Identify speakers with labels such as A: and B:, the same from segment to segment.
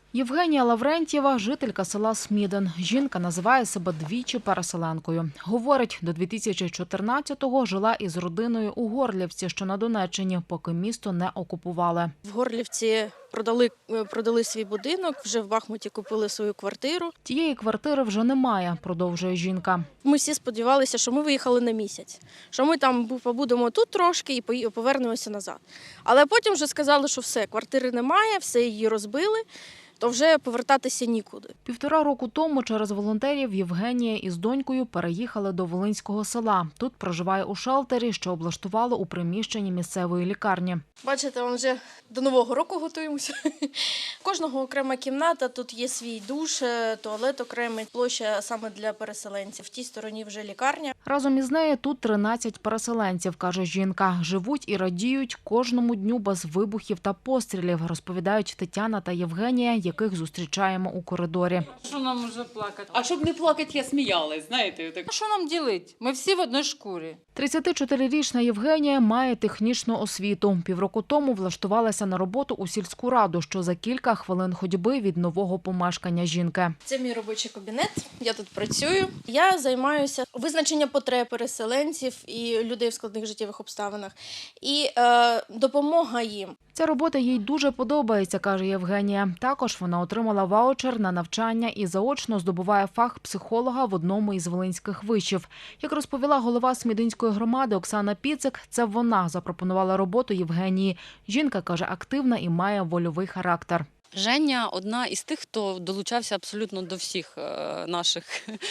A: Євгенія Лаврентьєва – жителька села Смідин. Жінка називає себе двічі переселенкою. Говорить, до 2014-го жила із родиною у Горлівці, що на Донеччині, поки місто не окупували.
B: В Горлівці продали свій будинок, вже в Бахмуті купили свою квартиру.
A: Тієї квартири вже немає, продовжує жінка.
B: Ми всі сподівалися, що ми виїхали на місяць, що ми там побудемо тут трошки і повернемося назад. Але потім вже сказали, що все, квартири немає, все її розбили, то вже повертатися нікуди.
A: 1,5 року тому через волонтерів Євгенія із донькою переїхали до Волинського села. Тут проживає у шелтері, що облаштували у приміщенні місцевої лікарні.
B: Бачите, ми вже до Нового року готуємося. У кожного окрема кімната, тут є свій душ, туалет окремий, площа саме для переселенців. В тій стороні вже лікарня.
A: Разом із нею тут 13 переселенців, каже жінка. Живуть і радіють кожному дню без вибухів та пострілів, розповідають Тетяна та Євгенія, яких зустрічаємо у коридорі.
C: Що нам уже плакати? А щоб не плакати, я сміялась, знаєте. Так. Що нам робити? Ми всі в одній шкурі.
A: 34-річна Євгенія має технічну освіту. Півроку тому влаштувалася на роботу у сільську раду, що за кілька хвилин ходьби від нового помешкання жінки.
B: Це мій робочий кабінет, я тут працюю. Я займаюся визначенням потреб переселенців і людей в складних життєвих обставинах. І допомога їм.
A: Ця робота їй дуже подобається, каже Євгенія. Також вона отримала ваучер на навчання і заочно здобуває фах психолога в одному із волинських вишів. Як розповіла голова Смідинської громади Оксана Піцик, це вона запропонувала роботу Євгенії. Жінка, каже, активна і має вольовий характер.
D: Женя – одна із тих, хто долучався абсолютно до всіх наших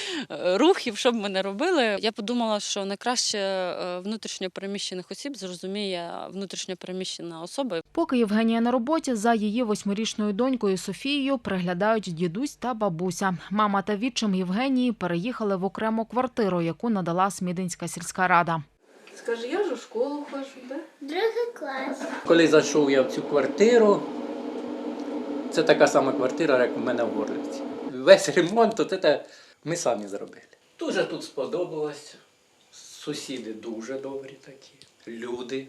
D: рухів, що б ми не робили. Я подумала, що найкраще внутрішньо переміщених осіб зрозуміє внутрішньо переміщена особа.
A: Поки Євгенія на роботі, за її 8-річною донькою Софією приглядають дідусь та бабуся. Мама та відчим Євгенії переїхали в окрему квартиру, яку надала Смідинська сільська рада.
C: Скажи, я ж у школу хожу, так?
E: Другий клас.
F: Коли зайшов я в цю квартиру, це така сама квартира, як у мене в Горлівці. Весь ремонт це ми самі зробили. Дуже тут сподобалось. Сусіди дуже добрі такі. Люди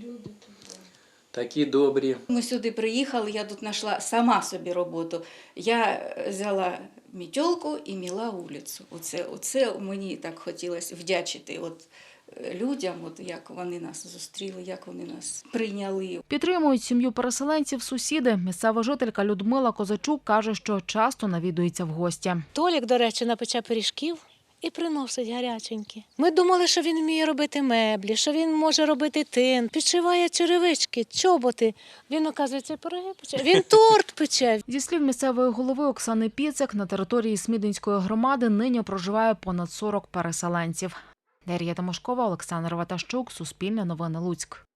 F: такі добрі.
G: Ми сюди приїхали, я тут знайшла сама собі роботу. Я взяла мітьолку і міла вулицю. Оце мені так хотілося вдячити людям, як вони нас зустріли, як вони нас прийняли.
A: Підтримують сім'ю переселенців сусіди. Місцева жителька Людмила Козачук каже, що часто навідується в гості.
H: Толік, до речі, напече пиріжків і приносить гаряченькі. Ми думали, що він вміє робити меблі, що він може робити тин, підшиває черевички, чоботи. Він, оказується, пироги пече. Він торт пече.
A: Зі слів місцевої голови Оксани Піцик, на території Смідинської громади нині проживає понад 40 переселенців. Дар'я Тимошкова, Олександр Ватащук, Суспільне новини, Луцьк.